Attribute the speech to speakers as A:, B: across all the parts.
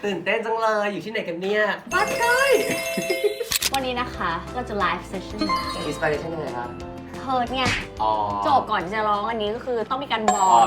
A: ตื่นเต้นจังเลยอยู่ที่ไหนกันเนี่ยบ้านใกล้
B: วันนี้นะคะเราจะไลฟ์เซสชั่น
A: อินสปิเรชันยังไงครับ
B: เพิร์ดไง
A: อ๋อ
B: จบก่อนจะร้องอันนี้ก็คือต้องมีการวอร์ม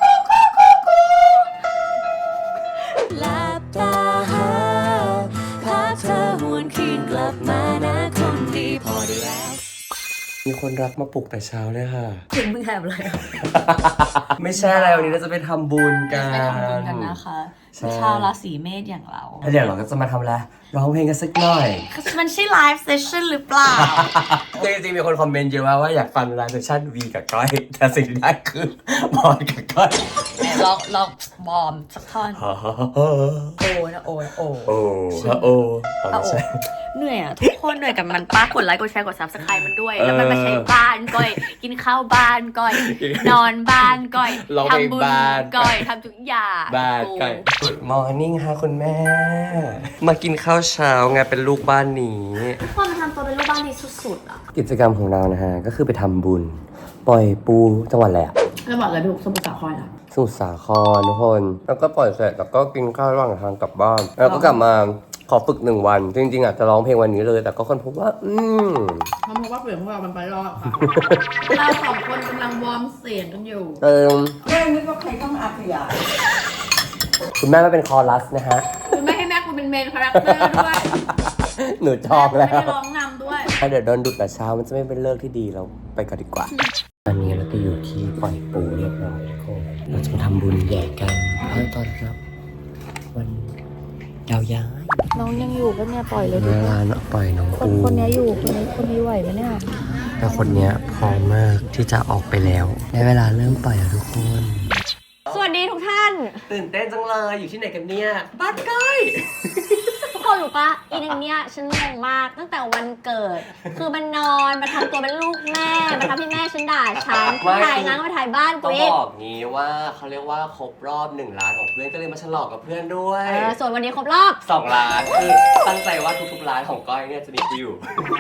C: หลับตาหาภาพเธอหวนคืนกลับมานะคนดีพอได้แล้ว
A: มีคนรักมาปลุกแต่เช้าเลยค่ะ
C: ถึงมึงแอบอะไร
A: ไม่ใช่อะไรวันนี้เราจะไปทำบุญกัน
C: ไปทำบุญกันนะคะชาวราศีเมษอย่างเรา
A: แล้วเดี๋ยวเราก็จะมาทำอะไรร้องเพลงกันสักหน่อย
C: มันใช่ไลฟ์เซสชั่นหรือเปล่า
A: จริงๆมีคนคอมเมนต์เยอะมากว่าอยากฟังไลฟ์เซสชั่นวีกับก้อยแต่สิ่งที่ได้คือบอลกับก้อย
C: ลองบอมสักท่อน โอ้นะโอ้นะโอ้
A: โอ้โอ้ไม่ใช่
C: เหนื่อยอะทุกคนเหนื่อยกับมันป้ากดไลค์กดแชร์กดซับสไครต์มันด้วย แล้วมันมาใช้บ้านก้อย กินข้าวบ้านก้อย นอนบ้านก้อยทำบุญก้อยทำทุกอย่าง
A: บ้านก้อย Good morning ค่ะคุณแม่ มากินข้าวเช้าไงเป็นลูกบ้านนี้
C: ความทำตัวเป็นลูกบ้านที่สุดๆอะ
A: กิจกรรมของเรานะฮะก็คือไปทำบุญปล่อยปูจังหวัดอะไรอะ
C: แล้วบอกเลยพี่สมุทรสาครอะ
A: สมุทรสาครทุกคนแล้วก็ปล่อยเสร็จแล้วก็กินข้าวระหว่างทางกลับบ้านแล้วก็กลับมาขอฝึก1 วันจริงๆอ่ะจะร้องเพลงวันนี้เลยแต่ก็คนพบว่า
C: เพราะว่าเปลี่ยนพวกเรามันไปรอดค่ะ เราสองคนกำลังวอร์มเสียงกันอยู่
D: เรื่องนี้ก็ใครต้องอาขยาย
A: คุณแม่ไม่เป็นคอรัสนะฮะ
C: คือไม่ให้แม่กูเป็นเมนคาแรคเตอร์ด้วย
A: หนูชอบแล้ว
C: ไม่ได้ร้องนำด้วย
A: ถ้าเดี๋ยวโดนดุแต่เช้ามันจะไม่เป็นเลิกที่ดีเราไปกันดีกว่าตอนนี้เราก็อยู่ที่ปล่อยปูเรียบร้อยทุกคนเราจะมาทำบุญใหญ่กันเพื่อต้อนรับวันดาวย้าย
C: น้องยังอยู่ก็เนี่ยปล่อยเลย
A: เวลาปล่อยน้องปู
C: คนนี้อยู่คนนี้ไหวไหมเนี่ย
A: แต่คนเนี้ยพร้อมมากที่จะออกไปแล้วได้เวลาเริ่มปล่อยแล้วทุกคน
B: สวัสดีทุกท่าน
A: ตื่นเต้นจังเลยอยู่ที่ไหนกันเนี่ยบ้านใกล้
B: ทุกคนรู้ปะอีนึงเนี่ยฉันงงมากตั้งแต่วันเกิด คือมันนอนมาทำตัวเป็นลูกแม่มาทำให้แม่ฉันด่าฉันถ่ายงานก็มาถ่ายบ้านกู
A: ต้อง
B: อีก
A: บอกงี้ว่าเขาเรียกว่าครบรอบ1 ล้านของเพื่อนก็เลยมาฉลองกับเพื่อนด้วย
B: ส่วนวันนี้ครบรอบ
A: 2 ล้านคือตั้งใจว่าทุกๆร้านของก้อยเนี่ยจะมีกูอยู่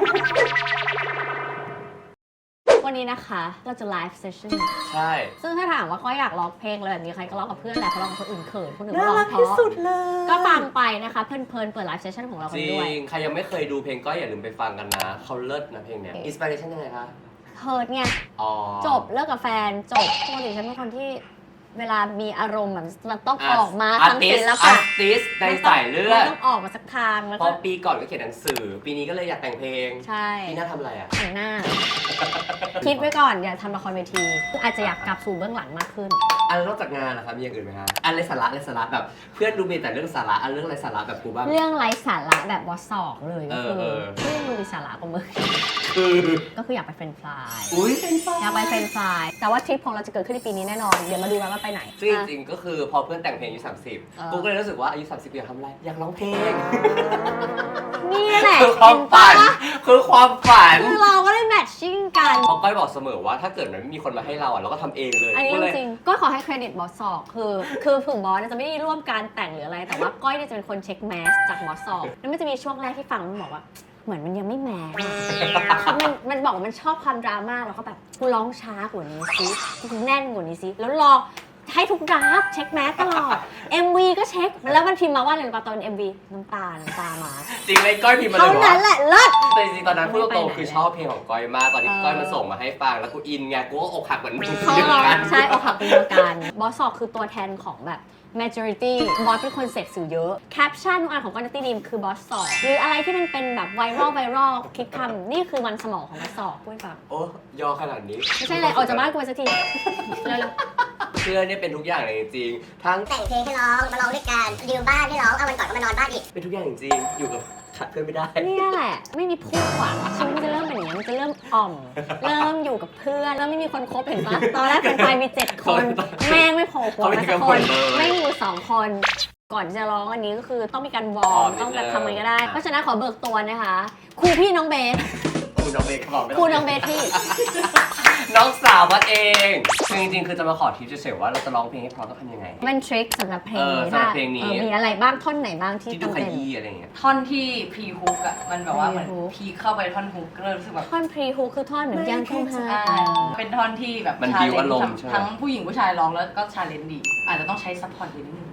B: วันนี้นะคะเราจะไลฟ์เซสชั่น
A: ใช่
B: ซึ่งถ้าถามว่าก้อยอยากร้องเพลงอะไรแบบนี้ใครก็ร้องกับเพื่อนแหละเพราะร้องกับคนอื่นเขินคนอื่นก็
D: น่า
B: ร้อง
D: รัก
B: เพ
D: ที่
B: ราะ
D: สุดเลย
B: ก็ฟังไปนะคะเพลินๆเปิดไลฟ์เซสชั่นของเรา
A: จ
B: กัน
A: ริ
B: ด้วย
A: งใครยังไม่เคยดูเพลงก้อยอย่าลืมไปฟังกันนะเขาเลิศนะเพลงเนี้ยอินสปิเรชันยังไงคะ
B: เพิร์ดไง
A: อ๋อ
B: จบเลิกกับแฟนจบปกติฉันเป็นคนที่เวลามีอารมณ์แบบมันต้องออกมาทางศิล
A: อา
B: ปะ
A: ร์ติสในสายเลือด
B: มันต้องออกมาสักทางแล้ว
A: เพ
B: ก็
A: ราะปีก่อนก็เขียนหนังสือ ปีนี้ก็เลยอยากแต่งเพลง
B: ใช่
A: ปีหน้าทำอะไรอ่ะ
B: แต่งหน้า คิดไว้ก่อนอย่าทำละครเวทีอาจจะอยากกลับสู่เบื้องหลังมากขึ้น
A: อันนอกจากงานนะครับมีอย่างอื่นไหมฮะอันไรสาระแบบเพื่อนดูมีแต่เรื่องสาระอันเรื่องไรสาระแบบกูบ้าง
B: เรื่องไร้สาระแบบวอสอกเลยก็คือ
A: เออ
B: เรื่องดูมีสาระกว่ามึง
A: คือ
B: ก็คืออยากไปเฟรนช์ฟราย
A: อุ้ย
B: อยากไปเฟรนช์ฟรายแต่ว่าทริปของเราจะเกิดขึ้นในปีนี้แน่นอนเดี๋ยวมาดูกันว่าไปไหน
A: ซึ่งจริงๆก็คือพอเพื่อนแต่งเพลงอายุ30กูก็เลยรู้สึกว่าอายุ30อยากทำอะไรอยากร้องเพลง
B: นี่แหละ
A: คือความฝัน
B: เห็ปะ
A: คือความฝัน
B: คือเราก็ได้แมทชิ่งกัน
A: เพราะก้อยบอกเสมอว่าถ้าเกิดมันไม่มีคนมาให้เราอ่ะเราก็ทำเองเลย
B: อันนี้
A: ก็เลย
B: จริงๆก็ขอให้เครดิตบอสสอกคือถึงบอสเนี่ยจะไม่ได้ร่วมการแต่งหรืออะไร แต่ว่าก้อยเนี่ยจะเป็นคนเช็คแมสจากบอสสอกแล้วมันจะมีช่วงแรกที่ฟังมันบอกว่า เหมือนมันยังไม่แมสคือมันบอกว่ามันชอบความดราม่าแล้วก็แบบกูร้องช้ากว่านี้ซิกูแน่นกว่านี้ซิแล้วรอให้ทุกดราฟเช็คแมสตลอด MV ก็เช็คแล้วมันพิมพ์มาว่าอะไรรู้ป่ะตอน MV น้ำตามา
A: จริงเลยก้อยพิมพ์มาเล
B: เท่าย
A: บอก
B: นั้น
A: ว่า
B: แหละเลิศ
A: แต่จริงๆตอนนั้นพูดตรงๆคือชอบเพลงของก้อยมากตอนที่ก้อยมาส่งมาให้ฟังแล้วกูอินไงกูก็อกหักเหมือนมึง
B: เขา
A: เดียว
B: ร้อง
A: กัน
B: ใช่อกหักเป็นเดียวกันบอสสอกคือตัวแทนของแบบ majority บอสเป็นคนเสพสื่อเยอะแคปชั่นทุกอันของกอนตี้ดีมคือบอสสอกหรืออะไรที่มันเป็นแบบไวรัลคิดคำนี่คือมันสมองของบอสสอกพูดแบบ
A: โอ้ยอขนาดนี้
B: ไม่ใช่เลยออกจากบ้านกูไปสักทีเร็ว
A: เพื่อนเนี่ยเป็นทุกอย่างเลยจริงๆทั้ง
E: แต่งเพลงให้ร้อง มาร้องด้วยกันดิวบ้านให้ร้อง เอาวันก่อนก็มานอนบ้านอีก
A: เป็นทุกอย่างจริงๆอยู่กับขาดเพื่อนไม่ได้
B: ๆเนี่ยแหละไม่มีผู้หวังชีวิตมันจะเริ่มเป็นอย่างนี้ยมันจะเริ่มอ่อม เริ่มอยู่กับเพื่อนแล้วไม่มีคนคบเห็นปะตอนแรกเป็นไฟมี7 คนแม่งไม่โผล่หัวมาสักคนไม่มีอยู่2 คน ก่อนจะร้องอันนี้ก็คือต้องมีการวอร์มต้องแบบทำอะไรก็ได้ เพราะฉะนั้นขอเบิกตัวนะคะครูพี่น้องเบส
A: คุณน้องเบสบอกไม่
B: ครูน้องเบสพี่
A: น้องสาวมาเองคือจริงๆคือจะมาขอทิปเฉยๆว่าเราจะร้องเพลงให้เพราะต้องทำยังไง
B: มันทริคสำหรับเพลงนี้
A: สำหรับเพลงนี้
B: มีอะไรบ้างท่อนไหนบ้างที่
A: ที่
B: ต้
A: ดู
B: อง
A: ข
B: เป็น
A: ยี้อะไรอย่างเงี้ย
D: ท่อนที่พรีฮุกอะมันแบบว่าเหมือน
B: pre-hook
D: พีเข้าไปท่อนฮุกก็เลยรู้สึกแบบ
B: ท่อนพรีฮูคือท่อนเหมือนยังคงหา
D: เป็นท่อนที่แบบ
A: มัน
D: ชา
A: บิ้ว
D: เลน
A: อารมณ์
D: จ์
A: ใช่ไหม
D: ทั้งผู้หญิงผู้ชายร้องแล้วก็ชาเลนจ์ดี อาจจะต้องใช้ซัพพอร์ตเยอะนิดนึง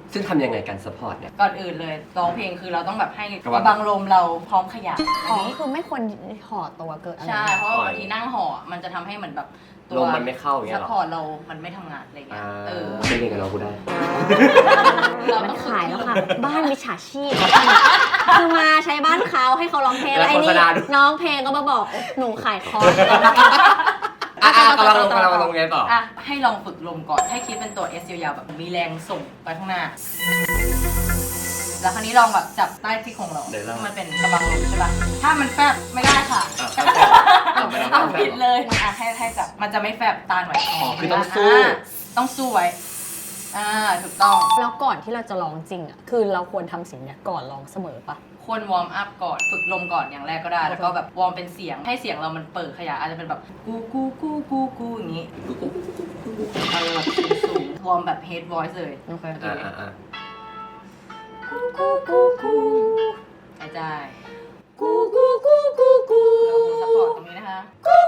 A: ซึ่งทำยังไงการซัพพอร์ตเนี่ย
D: ก่อนอื่นเลยร้องเพลงคือเราต้องแบบให้
A: กระบัง
D: กระบังลมเราพร้อมขยับ
B: อ๋อคือไม่ควรห่อตัวเกินอะไร
D: ใช่เพราะว่าบางทีนั่งห่อมันจะทำให้เหมือนแบบตั
A: ล
D: ว
A: มมันไม่เข้าอย่างเงี้
D: ซั
A: ย
D: พ
A: หรอ
D: พอร์ตเรามันไม่ทำงานอะไรเงี้ย
A: เป็นยังไงเรากูได้
B: มันขายแล้วค่ะ บ้านมิจฉาชีพคือมาใช้บ้านเขาให้เขาร้องเพลง
A: แล้ว
B: ไอ้นี่
A: โฆษณาด้วย
B: น้องเพลงก็มาบอกหนูขายคอร์ส
A: กำลังลงไงต่อ
D: อ่ะให้ลองฝึกลมก่อนให้คิดเป็นตัว S ยาวๆแบบมีแรงส่งไปข้างหน้า แล้วคราวนี้ลองแบบจับใต้ที่โครงเรา
A: เดี๋ยวเรา
D: มันเป็นกระบังลมใช่ป่ะถ้ามันแฟบไม่ได้ค่ะ
A: ไม่ได้
D: ทำผิดเลยอ่ะให้จับมันจะไม่แฟบตาหน่อย
A: คือต้องสู้
D: ต้องสู้ไว้ถูกต้อง
B: แล้วก่อนที่เราจะร้องจริงอ่ะคือเราควรทำสิ่งเนี้ยก่อนร้องเสมอปะ
D: ควรวอร์มอัพก่อนฝึกลมก่อนอย่างแรกก็ได้ แล้วก็แบบวอร์มเป็นเสียงให้เสียงเรามันเปิดขยายอาจจะเป็นแบบกูอย่างนี้สูงวอร์มแบบ head voice เลย
B: โอเค
D: กูหายใจกูแล้วผมซัพพอร์ตตรงนี้นะคะ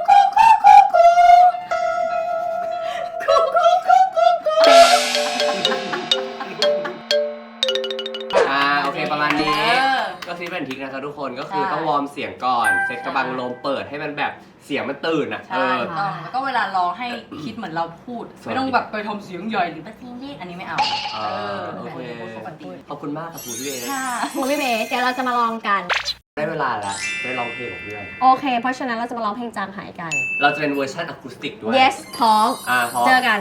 A: โอเคประมาณนี้ก็ซีเป็นทิกนะครับทุกคนก็คือต้องวอร์มเสียงก่อนเซ็ตกระบังลมเปิดให้มันแบบเสียงมันตื่นอ่ะ
D: ใช่ถูกต้องแล้วก็เวลาร้องให้คิดเหมือนเราพูดไม่ต้องแบบไปทำเสียงใหญ่หรือแบบนี้อันนี้ไม่เอา
A: โอเค
D: ปกติ
A: ขอบคุณมากครับคุณพี่เบส
D: ค่ะ
B: ครูพี่เบสเดี๋ยวเราจะมาลองกัน
A: ได้เวลาแล้วได้ร้องเพลงของเพื่อน
B: โอเค เพราะฉะนั้นเราจะมาร้องเพลงจางหายกัน
A: เราจะเป็นเวอร์ชันอะคูสติกด้วย
B: yes พร้อม
A: พร้อม
B: เจอกัน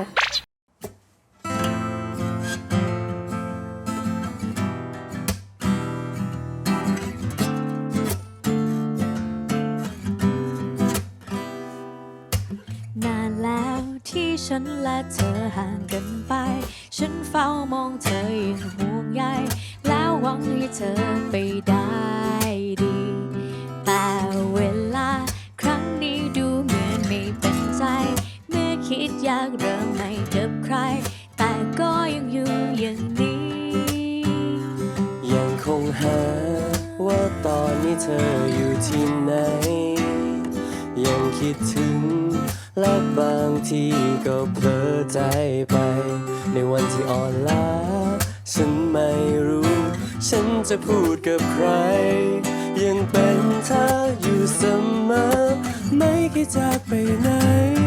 C: นานแล้วที่ฉันและเธอห่างกันไป ฉันเฝ้ามองเธออย่างห่วงใยแล้วหวังให้เธอไปได้ดี แต่เวลาครั้งนี้ดูเหมือนไม่เป็นใจ เมื่อคิดอยากเริ่มใหม่กับใคร แต่ก็ยังอยู่อย่างนี้
A: ยังคงหาว่าตอนนี้เธออยู่ที่ไหน ยังคิดถึงและบางทีก็เผลอใจไป ในวันที่อ่อนล้าฉันไม่รู้ ฉันจะพูดกับใคร ยังเป็นเธออยู่เสมอ ไม่คิดจากไปไหน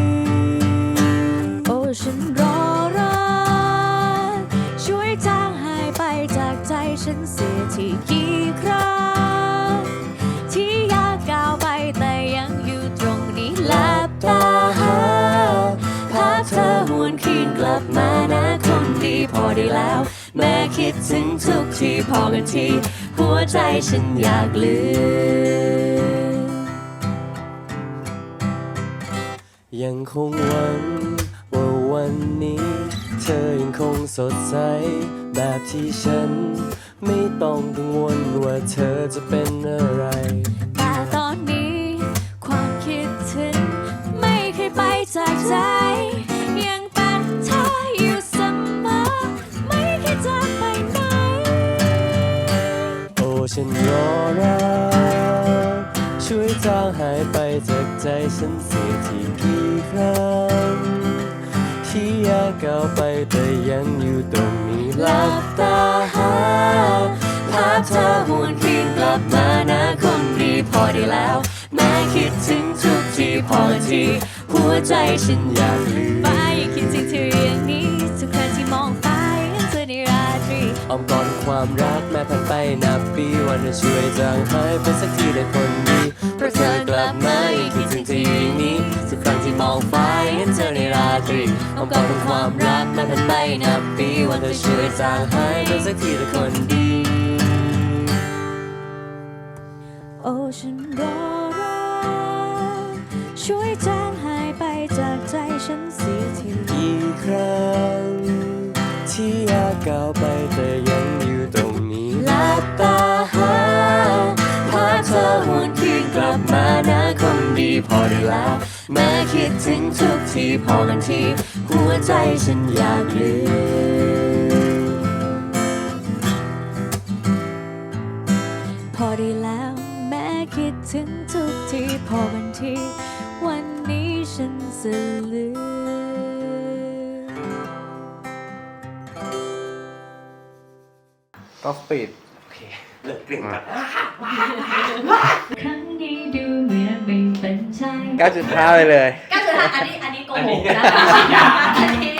C: โอ้ฉันรอรักช่วยจางหายไปจากใจฉันเสียทีกี่ครั้งที่อยากก้าวไปแต่ยังอยู่ตรงนี้หลับตาหาภาพเธอหวนคืนกลับมานะคงดีพอได้แล้ว แม้คิดถึงทุกทีพอกันทีหัวใจฉันอยากลืม
A: ยังคงหวังว่าวันนี้เธอยังคงสดใสแบบที่ฉันไม่ต้องกังวลว่าเธอจะเป็นอะไร
C: แต่ตอนนี้ความคิดถึงไม่เคยไปจากใจ ยังเป็นเธออยู่เสมอไม่เคยจากไปไหน
A: โอ้ฉันรอรักช่วยจางหายไปจากใจฉันเสียทีกี่ครั้งที่อยากก้าวไปแต่ยังอยู่ตรงนี้หลับตาหาภาพเธอหวนคืนกลับมานะคงดีพอได้แล้วแม้คิดถึงทุกทีพอทีหัวใจฉันอยากลืม
C: ฟ้ายังคิดถึงเธออย่างนี้ทุกครั้งที่มองฟ้าเห็นเธอในราตรี
A: อ้อมกอดความรักแม้ผ่านไปนับปีวันจะช่วยจางหายไปสักทีได้คนดีเพราะเธอกลับมายังคิดถึงเธออยู่อย่างนี้ทุกครั้งที่มองฟ้าเห็นเธอในราตรีอ้อมกอดความรักแม้ผ่านไปนับปีวันจะช่วยจางหายไปสักทีได้คนดี
C: โอ้ฉันรอรักช่วยจางหายไปจากใจฉันเสียที
A: อีกครั้งที่อยากก้าวไปแต่ยังอยู่ตรงนี้หลับตาหาภาพเธอหวนคืนกลับมานะคงดีพอได้แล้วแม้คิดถึงทุกทีพอกันทีหัวใจฉันอยากลืม
C: พอได้แล้วแม้คิดถึงทุกทีพอกันทีวันนี้ฉันจะลืม
F: ก็ปิด
A: โอเคเลิกกลิ่นกัน
C: ครั้งนี้ดูเหมือนไม่เป็นใจ
F: 9.5 ไปเลย
B: 9.5อันนี้โกหกนะ
A: อันนี้
B: อันนี้